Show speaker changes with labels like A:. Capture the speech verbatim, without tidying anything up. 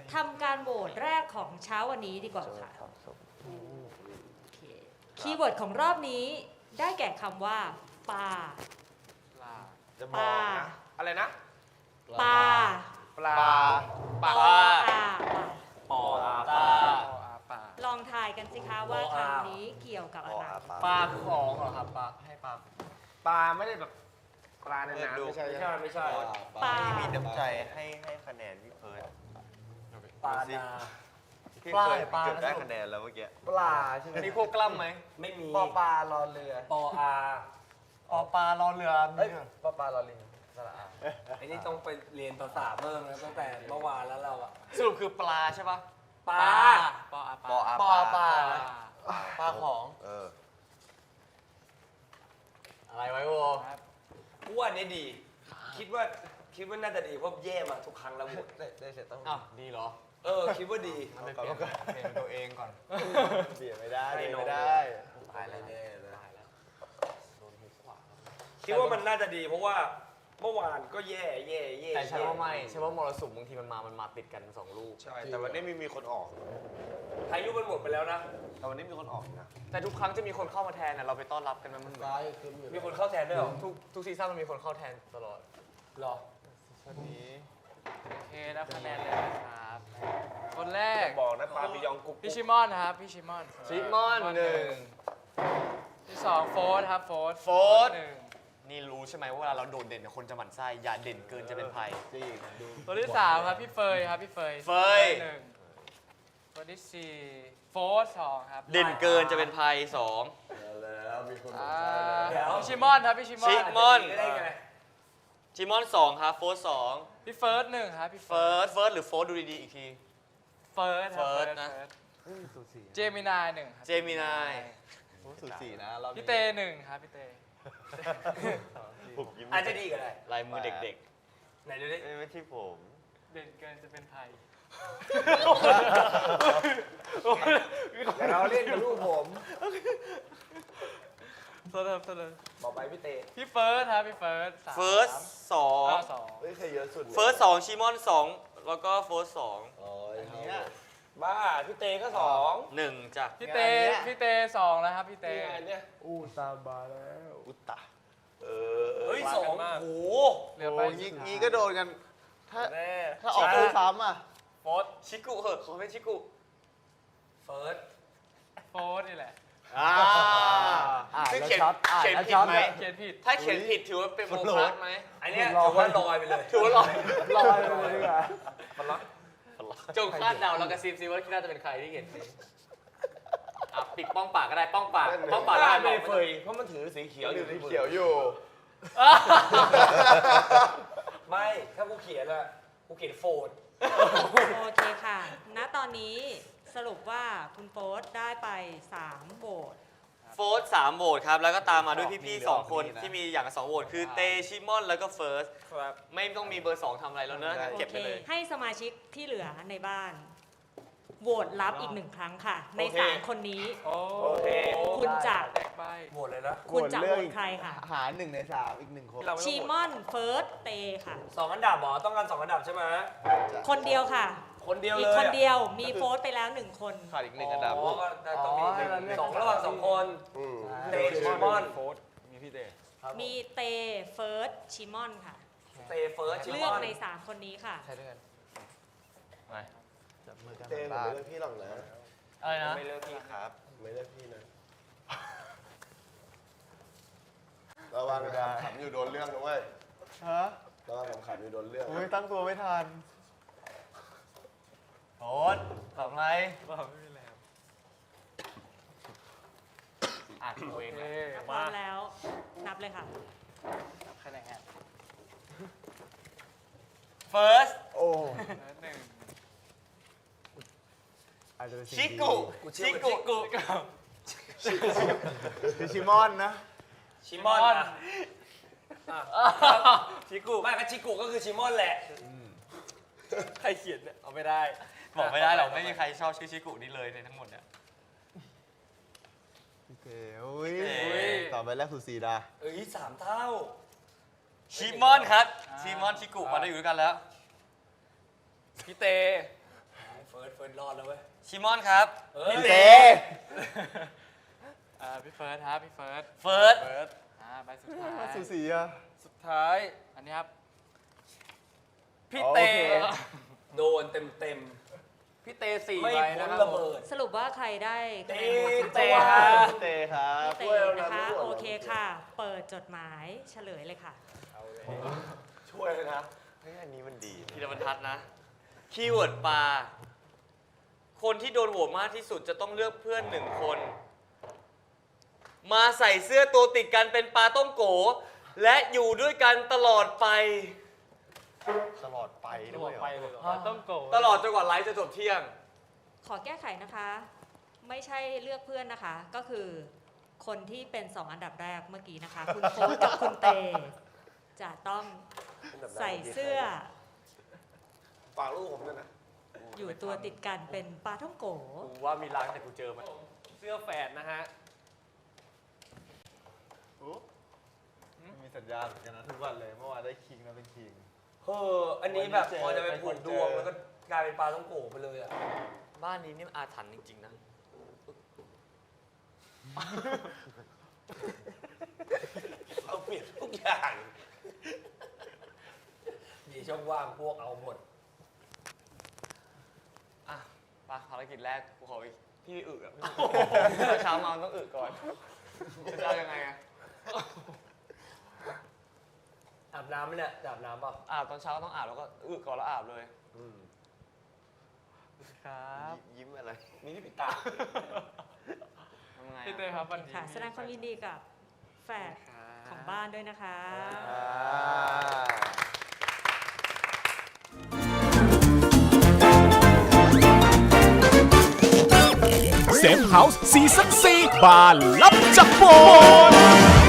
A: ทำการโหวตแรกของเช้าวันนี้ดีกว่าค่ะคีย์เวิร์ดของรอบนี้ได้แก่คำว่าปลา
B: จะบอกนะอะไรนะ
A: ปลา
B: ปลา
A: ปลา
B: ปลา
A: ปลา
B: ปอปลาปลา
A: ลองทายกันสิคะว่าคำนี้เกี่ยวกับอะไร
C: ปลาของเหรอครับปลาให้ปลา
B: ปลาไม่ได้แบบปลาในน้ำ
C: ดู
B: ไม่ใช่ไม่ใช่ไม่ใช่
A: ปลา
D: มีน้ำใจให้ให้คะแนนพี่เพิร์ด
C: ปลานา
D: พี่เพิร์ดเกือบได้คะแนนแล้วเมื่อกี้
C: ปลาใช่ไหม
B: มีพวกกล้ำไหม
C: ไม่มี
E: ปอปลารอเรือ
C: ปออาปอปลารอเรือ
E: เอ้ยปอปลารอลิงสระอา
C: ไอ้นี่ต้องไปเรียนภาษาเพิ่มนะตั้งแต่เมื่อวานแล้วเราอะ
B: สรุปคือปลาใช่ปะ
C: ปลา
B: ปลาป
D: ปอ
B: ลา
D: อา
E: ปอปลา
C: ปลาของ
D: เออ
C: อะไรไว้โว
E: กูว่าอันนี้ดี คิดว่าคิดว่าน่าจะดีเพราะแย่มาทุกครั้งแล้วหมด
D: ได้ได้เสร็จต้อง
C: อ้าวดีเหรอ
E: เออคิดว่าดี
C: มันไปเปลี่ยนเปลี่ยนตัวเองก่อน
D: เบียดไม่ได้
E: ไม่
D: เบียด
E: โน้
D: ไม่
E: ต
D: ได้
E: ตายแล้วแน่เลย
C: ตายแล้วโดนหูขวา
E: คิดว่ามันน่าจะดี เพราะว่าเมื่อวานก็แย่แย่แย่
C: แต่ใช่ว่าไม่ใช่ว่ามรสุมบางทีมันมา มันมาติดกันสองลูก
D: ใช่ แต่วันนี้มีมีคนออก
E: พายุมันหมดไปแล้วนะ
D: แต่วันนี้มีคนออกนะ
C: แต่ทุกครั้งจะมีคนเข้ามาแทนนะเราไปต้อนรับกันมันเหมือน
E: มีคนเข้าแทนด้วยเหรอ
C: ทุกทุกซีซั่นมันมีคนเข้าแทนตลอด
E: หรอ
D: วันนี้
F: โอเคนับคะแนนเลยนะครับ คนแรก
B: บอกนะปลาบิยองกุ๊ก
F: พี่ชิมอนนะครับ พี่ชิมอน
C: ชิมอนหนึ่ง
F: ที่สองโฟร์ครับโฟร์
C: โฟร์
F: หนึ่ง
C: นี่รู้ใช่ไหมว่าเวลาเราโดดเด่นเนี่ยคนจะหมั่นไส้อย่าเด่นเกินจะเป็นภัย
D: จริงดู
F: ตัวที่สามครับพี่เฟยครับพี่เฟย
C: เฟย
F: หนึ่งตัวที่สี่โฟร์สองครับ
C: เด่นเกินจะเป็นภัยสอง
D: แล้วมีคน
F: อ่า
E: เดี๋ยว
F: พี่ชิมอนครับพี่ชิมอน
C: ชิมอน
E: ได้ไง
C: ชิมอนสองครับโฟร์สอง
F: พี่เฟิร์สหนึ่งครับพี่
C: เฟิร์สเฟิร์สหรือโฟร์ดูดีๆอีกที
F: เฟิร์สครับ
C: เฟิร์สนะ
D: สูสี
F: เจมินายหนึ่งครับ
C: เจมินาย
D: สูสีนะเรา
F: พี่เตหนึ่งครับพี่เต
D: ผมยิ้ม
E: อาจจะดีก็ได้
C: ลายมือเด็ก
E: ไหนดูดิ
D: ไม่ที่ผม
F: เด่นเกินจะเป็นภัย
B: เราเล่นกับลูกผม
F: โทษครับโทษเลย
E: บอกไปพี่เต
F: พี่เฟิร์สครับพี่เฟิร์สสาม
C: ๆเฟิร์สสอง
F: อ้าวสอง
D: เฮ้ยใครเยอะสุด
C: เฟิร์สสองชิมอนสองแล้วก็โฟร์สอง
D: อ๋ออันเนี้ย
E: บ้าพี่เตก็สอง
C: หนึ่งจ้ะ
F: พี่เตพี่เตสองแล้วครับพี่เต
E: นี่ไงเนี่ย
D: อู้ตามมาแล้วอุตตะเออ
E: เฮ้ยสองโอ้โห
F: เหลือ
D: โอ้
F: ไป
D: ยงี้งี้ก็โดนกัน ถ้า
E: แน่
D: ถ้าออกคู่ซ้ำอ่ะ
C: โฟร์ชิกุเหอะขอเป็นชิกุ
E: เฟิร์ส
F: โฟร์นี่แหละ
C: อ่า
D: อ่าน
C: ซึ่ง
D: แล้ว
C: เขียน
D: ช็อตอ่าน
C: เขียน
D: แล้ว
C: ผิ
D: ช็
C: ด
D: อต
C: ไหม
F: เขียนผิด
C: ถ้าเขียนผิดถือว่าเป็นโมฆะไหม
E: อันเนี้ยถือว่าลอยไปเลย
C: ถือว่าลอย
D: ลอยไปเลยดีกว่า
E: มันล็อก
C: จงคาดเดาแล้วกระซิบซิว่าคิดน่าจะเป็นใครที่เขียนผิดอ่ะปิดป้องปากก็ได้ป้องปากป้องปาก
E: ได้
C: ได้
E: ไม่
C: บอก
E: เฟยเพราะมันถือสีเขียว
D: เขียว
E: อ
D: อยู่
E: ยู่
D: ที่เขียวอยู่
E: ไม่ ถ้ากูเขียนอะกูเขียนโฟน
A: โอเคค่ะ ณ ตอนนี้สรุปว่าคุณโฟสได้ไปสามโหวต
C: โฟร์สามโหวตครับ แล้วก็ตามมาด้วยพี่ๆสองคนที่มีอย่างละสองโหวตคือเตชิมอนแล้วก็เฟิร์ส
E: ครับ
C: ไม่ต้องมีเบอร์สองทำอะไรแล้วเนอะ
D: ได้
C: เก็บไปเลย
A: ให้สมาชิกที่เหลือในบ้านโหวตรับอีกหนึ่งครั้งค่ะ ในสามคนนี้
F: โอ้
E: โอเค
A: คุณจะ
F: แตกใบ
E: หมดเลยนะ
A: คุณจะโหวตใครค่ะ
D: หาหนึ่งในสามอีกหนึ่งคน
E: เราไม่
A: ชี
E: ต้อง
A: มอนเฟิร์สเตค่ะ
E: สองอันดับเหรอ ต้องการสองอันดับใช่ไหม
A: คนเดียวค่ะ
E: คนเดียว
A: อี
E: เล
A: ก
E: ย
A: คนเดียวมีโฟสไปแล้วหนึ่งคน
D: ขาดอีกหนึ่งอันดับ
E: อ๋อก็ได้ต้องมีหนึ่งสองระหว่างสองคน
D: อืม
E: เตชิมอน
F: มีพี่เต
A: มีเตเฟิร์สชิมอนค่ะ
E: เตเฟิร์สชิ
A: เลื
E: ม
A: อก
E: อน
A: ในสามคนนี้ค่ะ
C: ใช่ด้วยกัน
D: จับมือกัน
G: เต้ผมไม่เลือกพี่หรอกนะ
C: อะไรนะ
D: ไม่เลือกพี่ครับ
G: ไม่เลือกพี่นะระวังขำขำอยู่โดนเรื่องนะเว้ย
D: ฮะ
G: ระวังขำขำอยู่โดนเรื่อง
D: โอ้ยตั้งตัวไม่ทัน
C: โอ๊ตตอบอะไร
F: ว่าไม่มีแล้ว
C: อ่านตัวเอง
F: โอเค
C: นะ
A: พร้อมแล้วนับเลยค่ะ
F: นับคะแนน
C: เฟิร์ส
D: โอ้
F: หนึ่ง
D: อาจจะเป็นสิ่ง
C: ชิ
D: ดี
C: กุชิกุกุ
D: คือชิมอนนะ
E: ชิมอนอะชิกุไม่ก็ชิกุก็คือชิมอนแหละ ใครเขียนเนี่ยเอาไม่ได้
C: บอกไม่ได้หรอกไม่มีใครชอบชื่อชิกุนี้เลยในทั้งหมดเนี่ย
D: พี่เต๋อุ้ย
C: พี่เต๋
D: ต่อไปแรกสุดสีดา
E: เอ้ยสามเท่า
C: ชิมอนครับชิมอนชิกุมาได้อยู่ด้วยกันแล้ว
F: พี่เต
E: ร์สเฟิร์สรอดแล้วเว้ย
C: ชิมอนครับ
E: เออ
D: พี่เต้
F: อ่าพี่เฟิร์สครับพี่เฟิร์ส
C: เฟิร์ส
F: เฟิร์สอ่าใบสุดท้าย
D: สูสีอ่ะ
F: สุดท้ายอันนี้ครับ
C: พี่
D: โอ
C: เต
D: เค
E: โดนเต็มเต็ม
F: พี่เตสี่
E: ๆไม่
F: ใบ
E: พ้
F: นะ
E: น
F: ครับ
E: ระเบิด
A: สรุปว่าใครได้คะแนน
E: เต้
A: โหวต
E: เต้
A: คุณโฟ
E: ครับ
A: ร์
D: พี่เต้ครับ
A: พี่เตนะคะ โอเคค่ะ เปิดจดหมายเฉลยเลยค่ะ
G: ช่วยเลยนะเฮ้ยอันนี้มันดี
C: พีรบรรทัดนะ คีย์เวิร์ดปลา คนที่โดนโหวตมากที่สุดจะต้องเลือกเพื่อนหนึ่งคน มาใส่เสื้อตัวติดกันเป็นปลาต้องโก และอยู่ด้วยกันตลอดไป
G: ตลอดไป
F: จะ
G: ด้
F: บ
G: ว
F: อย ก
G: เหรอ
F: ไปเลยเหรอต้องโกรธ
C: ตลอดจนกว่าไลฟ์จะจบเที่ยง
A: ขอแก้ไขนะคะ ไม่ใช่เลือกเพื่อนนะคะ ก็คือคนที่เป็นสองอันดับแรกเมื่อกี้นะคะ คุณโฟร์กับคุณเต จะต้องใส่เสื้อ
G: ฝากลูกผมด้วยนะ
A: อยู่ตัวติดกันเป็นปลาท่องโก
C: กูว่ามีรักแต่กูเจอมัน
F: เสื้อแฝดนะฮะ
D: อุ๊มีสัญญาณเหมือนกันนะทุกวันเลย เมื่อวานได้คิงนะเป็นคิง
E: เอออันนี้แบบ
D: วันนี้เจอ
E: พอจะไปผูกดวง
D: เจอ
E: แล้วก็กลายเป็นปลาต้องโกะไปเลยอ่ะ
C: บ้านนี้นี่มันอาถรรพ์จริงๆนะ
E: เอาเปลี่ยนทุกอย่างมีช่องว่างพวกเอาหมด
C: อ่ะไปภารกิจแรกกูขออีกพี่อึอ่ะเช้ามาต้องอึก่อนจะเอายังไงอะ
E: อาบน้ำไหมเนี่ยจะอาบน้ำเปล่า
C: อาบตอนเช้าต้องอาบแล้วก็อึก่อนแล้วอาบเลย
F: ครับ
G: ยิ้มอะไร
E: มีที่ปิดตา
C: ทำไง
F: พี่เต้
C: อะ
F: ครับวันนี้
A: ค่ะ แสดงความยินดีกับแฝดของบ้านด้วยนะคะ
H: เซฟเฮาส์ซีซั่นสี่บานลับจากโบน